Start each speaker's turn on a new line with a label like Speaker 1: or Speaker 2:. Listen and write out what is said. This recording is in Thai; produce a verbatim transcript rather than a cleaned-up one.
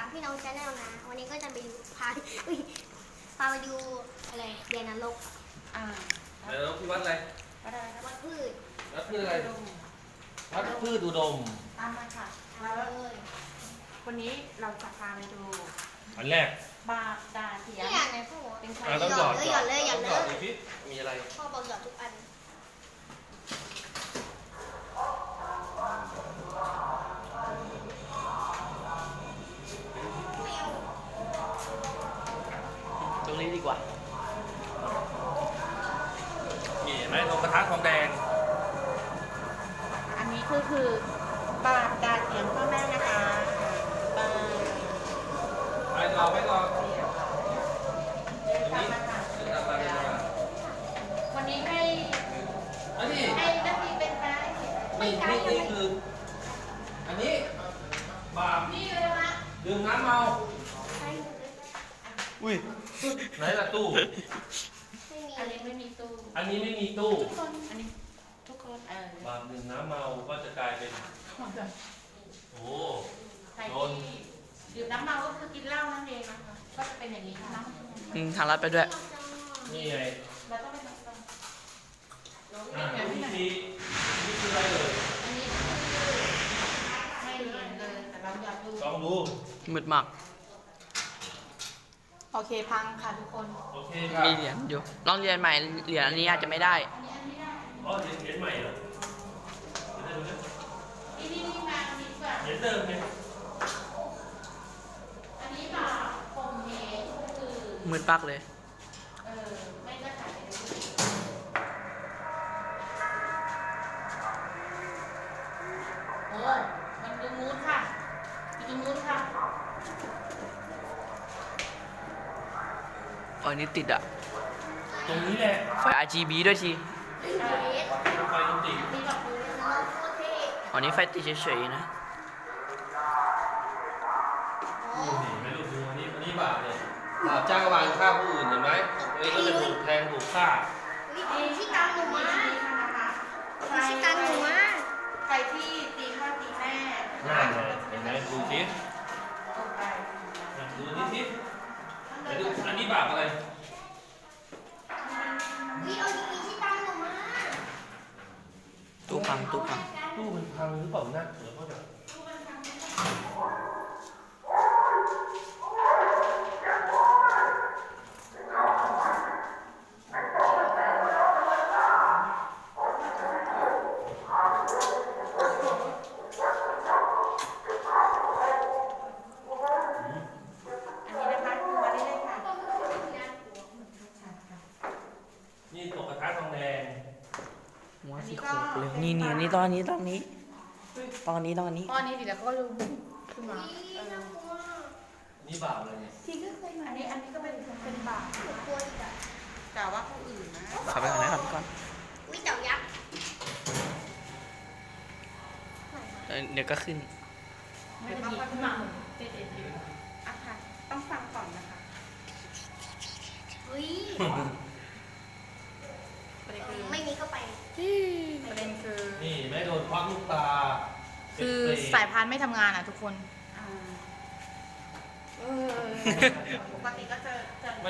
Speaker 1: พี่น้องชาแนลนะ วันนี้ก็จะไปดูพาอุ้ยพาไปดูอะไรเดียนนรก
Speaker 2: อ่า
Speaker 3: แล้วที่วัดอะไร
Speaker 2: วัดอะไรครับ
Speaker 1: วัดพืช
Speaker 3: วัดพืชอะไรวัดพืชอุดม
Speaker 2: ตามมาค่ะ
Speaker 1: เอา
Speaker 2: แล้ว
Speaker 1: เลย
Speaker 2: วันนี้เราจะพาไปดู
Speaker 3: อันแรก
Speaker 2: บาดาเทียม
Speaker 1: นี่อ่านไหนพ่อ
Speaker 2: เป็นใคร
Speaker 3: อ่าต้องหยอด
Speaker 1: หยอดเลยหยอดเลย
Speaker 3: ต้องหยอดดูสิมีอะไร
Speaker 1: พ่อบอกหยอดทุกอัน
Speaker 4: ตรงนี้ดีกว่า
Speaker 3: มีเห็นไหมลงกระทะทองแดง
Speaker 2: อันนี้คือคือบาดาเทียมพ่อแม่นะคะบาด
Speaker 3: ไปต่อไปต่อ
Speaker 2: เทียม
Speaker 3: อัน
Speaker 2: ตาม
Speaker 3: นี้
Speaker 2: มาค่ะ
Speaker 3: เดินตามมาเดินตามมา
Speaker 2: วันนี้ให้
Speaker 3: อันนี้
Speaker 2: ให้นักเรียนเป็นไกด์
Speaker 3: นี่นี่นี่คือ อันนี้บาป
Speaker 2: นี่เลยนะคะ
Speaker 3: ดื่มน้ำเมา
Speaker 4: อุ้ย
Speaker 3: ไหนล่ะตู้
Speaker 1: ไม่มี
Speaker 2: อันนี้ไม่มีตู้
Speaker 3: อันนี้ไม่มีตู้
Speaker 2: ทุกคนอันนี้ทุกคนเออบ
Speaker 3: าปดื่มน้ำเมาก็จะกลายเป็น โอ้
Speaker 2: ใครที่ดื่มน้ำเมาก็คือกินเหล้านั่นเองนะคะก็จะเป็นอย่างนี้นะ
Speaker 4: อืมทางลัดไปด้วย
Speaker 3: นี่ไง
Speaker 2: เราต้องไปทำตาม
Speaker 3: อ่าวิธีนี่คืออะไรเลย
Speaker 2: อันนี้คือไม่เรียนเลยแต่เราอยากดู
Speaker 3: ลองดู
Speaker 4: มืดมาก
Speaker 2: โอเคพังค่ะทุกคน
Speaker 3: โอเคครับ
Speaker 4: มีเหรียญอยู่ ลองเรียนใหม่ เหรียญอันนี้อาจจะไม่ได้
Speaker 2: อันนี้อันนี้ได้
Speaker 3: อ๋อเหรียญเหรียญใหม่เหรอเหรียญเดิม
Speaker 2: นี่นี่นี่มาอันนี้แบบ
Speaker 3: เหรียญเดิมไง
Speaker 2: อันนี้แบบผมเฮคือ
Speaker 4: มืดปักเลย
Speaker 2: เออไม่ก็ถ่ายไปเรื่อยๆโอ้มันดูมูดค่ะมันดูมูดค่ะ
Speaker 4: อ๋อนี่ติดอะ
Speaker 3: ตรงนี้แหละ
Speaker 4: ไฟ อาร์ จี บี ด้วยที
Speaker 2: เออ
Speaker 3: ไฟตรงติด
Speaker 2: นี่แบบดู
Speaker 1: นรกโคตรเท่
Speaker 4: อ๋อนี่ไฟติดเฉยๆนะ
Speaker 3: ดูเห็นไหมลูกดูอันนี้อันนี้บาปเนี่ยบาปจ้างวานฆ่าผู้อื่นเห็นไหมอันนี้ก็จะถูกแทงถูกฆ่า
Speaker 1: วิธีที่ตามหนูมา
Speaker 2: ใคร
Speaker 1: ที่ตามหนูมา
Speaker 2: ใครที่ตีพ่อตีแม่
Speaker 3: น่าเลยเห็นไหมดูสิ
Speaker 2: ตกไป
Speaker 3: ดูนี่สิไปดูอันนี้บาปอะไร
Speaker 1: วิเอาดีๆที่ตามหนูมา
Speaker 4: ตู้พัง ตู้พัง
Speaker 3: ตู้มันพังหรือเปล่านะเดี๋ยวเขาจะ
Speaker 2: อันนี้นะคะดูมาได้เลยค่ะ
Speaker 3: นี่ตกกระทะทองแดง
Speaker 4: หัวสีโขกเลย นี่นี่นี่ตอนนี้ตอนนี้ ตอนนี้ตอนนี้
Speaker 2: ตอนนี้ดิแล้วก็รู้ขึ้นมา
Speaker 1: วิน่ากลัว
Speaker 3: นี่บาปอะไรเนี่ย
Speaker 2: ทีก็เคยมาอันนี้อันนี้ก็เป็นเป็นบาป
Speaker 1: หนูกลัวอีกอ่ะ
Speaker 2: กล่าวว่าผู้อื่นนะ
Speaker 4: ขับไปก่อนนะขับไปก่อน
Speaker 1: วิเต่ายักษ์
Speaker 4: เออเดี๋ยวก็ขึ้น
Speaker 2: ไม่ได้ยินมาเด็ดเด็ดอยู่อ่ะค่ะต้องฟังก่อนนะคะ
Speaker 1: เฮ้ย
Speaker 2: ประเด็นคือ
Speaker 1: ไม่มีก็ไป
Speaker 2: ประเด็นคือ
Speaker 3: นี่แม่โดนควักลูกตา
Speaker 5: คือ
Speaker 3: เป็นเปรต
Speaker 5: สายพานไม่ทำงานอ่ะทุกคน
Speaker 2: อ่าเออปกติก็จะจะ